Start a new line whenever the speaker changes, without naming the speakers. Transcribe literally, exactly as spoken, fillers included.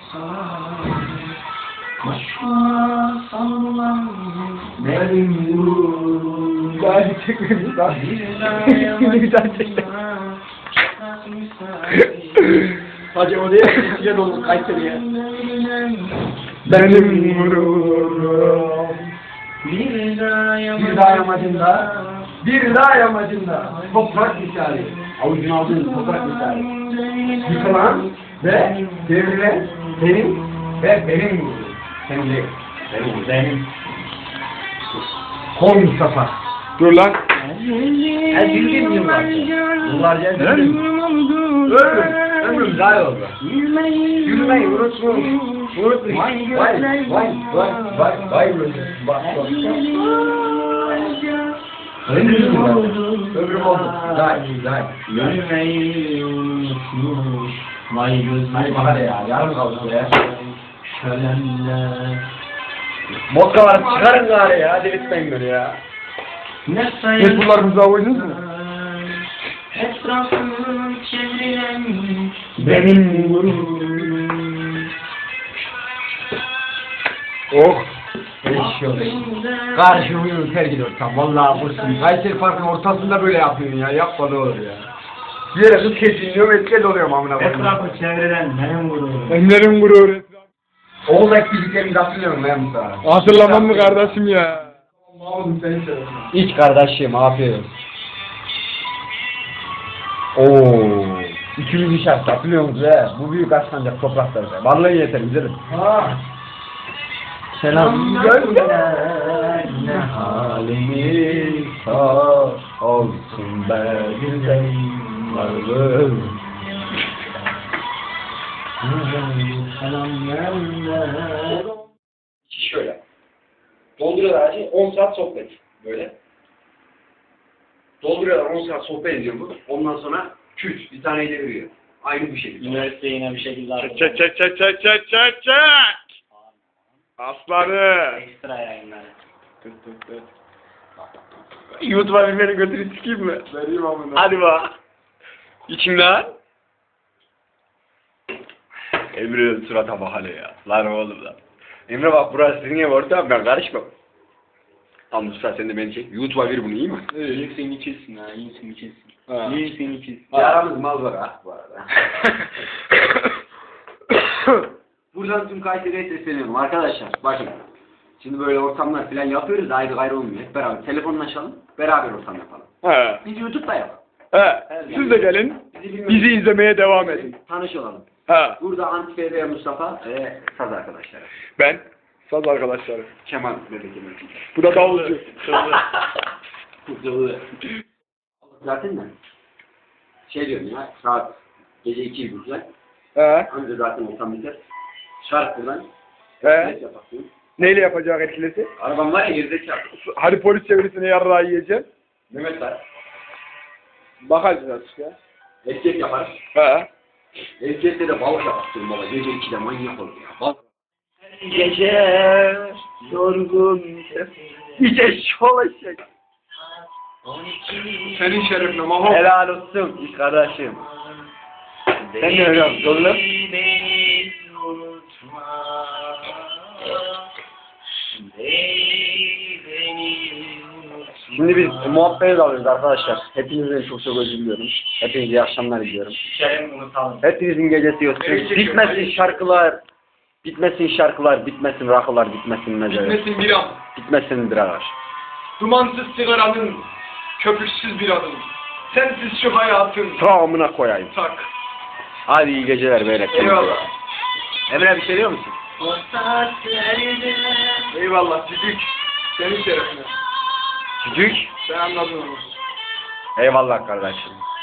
Koşma sallan
Benim yolum. Daha çekmemiş daha. Bir daha çekme. Hacı o diye içine dolu Kayseri'ye. Benim gururum.
Bir daha
Bir daha yamacında. Bir daha yamacında. Toprak misali. Avucun aldığın toprak misali. Yıkılan ve devrilen benim ve benim gururum. Senin değil. Benim. Benim. Kol Mustafa. Dur lan.
Ben bildiğim yıllarca.
Yıllarca
Ömrüm oldu.
Ömrüm. Ömrüm daha oldu.
Yürümeyi
Yürümeyi unutmuş. Unutmuş. Vay vay vay vay vay vay bak bak. Ömrüm oldu. Ömrüm oldu. Daha iyi daha iyi.
Yürümeyi unutmuş. Vay gözlerim.
Hadi hadi ya yarım kaldı ya.
Şölenler.
Vodka var çıkarın gari ya. Hadi bitmeyin böyle ya.
Ne
Siz bunlarınızı oynadınız mı?
Etrafım çevrilen
Benim gururum. Oh. Eşiyor. Karşımı terk tam. Vallahi bursun. Kayseri Park'ın ortasında böyle yapıyorsun ya. Yapma ne olur ya. Bir yere kız kesinliyorum, etkel oluyorum amına koyayım.
Etrafı çevrilen benim gururum.
Benim gurur. Oğul ekibiklerimi hatırlıyorum ben Mustafa.
Hatırlamam mı kardeşim ya?
İç kardeşim, afiyet olsun. Ooo. İkimiz işaret hatırlıyor musunuz he? Bu büyük aşlanacak topraklarda. Vallahi yeter güzelim. Ha. Selam gönder ne halimiz sağ olsun be güzelim varlığım.
Selam gönder.
Şöyle. Dolduruyorlar her on saat sohbet. Böyle. Dolduruyorlar on saat sohbet ediyor bu. Ondan sonra küt bir tane de veriyor. Aynı bu şekilde.
Üniversite yine bir şekilde
Çek çek çek çek çek çek çek. Aslanı.
ekstra yayınlar.
YouTube'a bir beni götürü sikeyim mi?
Vereyim amına.
Hadi bak. İçimden. Emre surata bak hele ya. Lan oğlum lan. Emre bak burası senin ev ortam ben karışmam. Tamam Mustafa sen de beni çek. YouTube'a ver bunu iyi mi?
İyisin içilsin ha, iyisin içilsin.
Ha.
İyisin içilsin.
Aramız mal var ha bu arada. Buradan tüm Kayseri'ye sesleniyorum arkadaşlar. Bakın. Şimdi böyle ortamlar falan yapıyoruz da ayrı ayrı olmuyor. Hep beraber telefonlaşalım. Beraber ortam yapalım.
He.
Biz YouTube'da yapalım.
He. Siz de gelin.
Bizi, bilmiyorum.
Bizi izlemeye devam edin.
Tanış olalım.
He.
Burada Antife ve Mustafa ve Saz arkadaşlar.
Ben. Saz arkadaşlarım.
Kemal bebek Kemal.
Bu da davulcu.
Zaten ne? Şey diyorum ya, saat gece iki buçuklar.
He.
Önce zaten ortam biter. Şark buradan.
He.
Yaparsın.
Neyle yapacak etkilesi?
Arabam var ya gerizekalı.
Hadi polis çevirisine yarrağı yiyeceğim.
Mehmet var.
Bakacağız artık ya.
Erkek yapar.
He.
Erkekte de balık yaparsın baba. Gece ikide manyak olur ya. Balık.
Gece yorgun gece şolaşacak.
Senin şerefine mahol.
Helal olsun iş kardeşim. Sen ne öyle oğlum?
Beni unutma. Beni unutma.
Şimdi biz muhabbete dalıyoruz arkadaşlar. Hepinizden çok çok özür diliyorum. Hepinize iyi akşamlar diliyorum.
Şerem unutalım.
Hepinizin gecesi olsun. Bitmesin şarkılar. Bitmesin şarkılar, bitmesin rakılar, bitmesin mezeler.
Bitmesin bir an.
Bitmesin biralar.
Dumansız sigaranın, köpüksüz bir adım. Sensiz şu hayatın.
Tamamına koyayım.
Tak.
Hadi iyi geceler beyler.
Eyvallah.
Emre bir şey diyor musun?
O saatlerde
Eyvallah Cüdük. Senin şerefine.
Cücük.
Ben anladım onu.
Eyvallah kardeşim.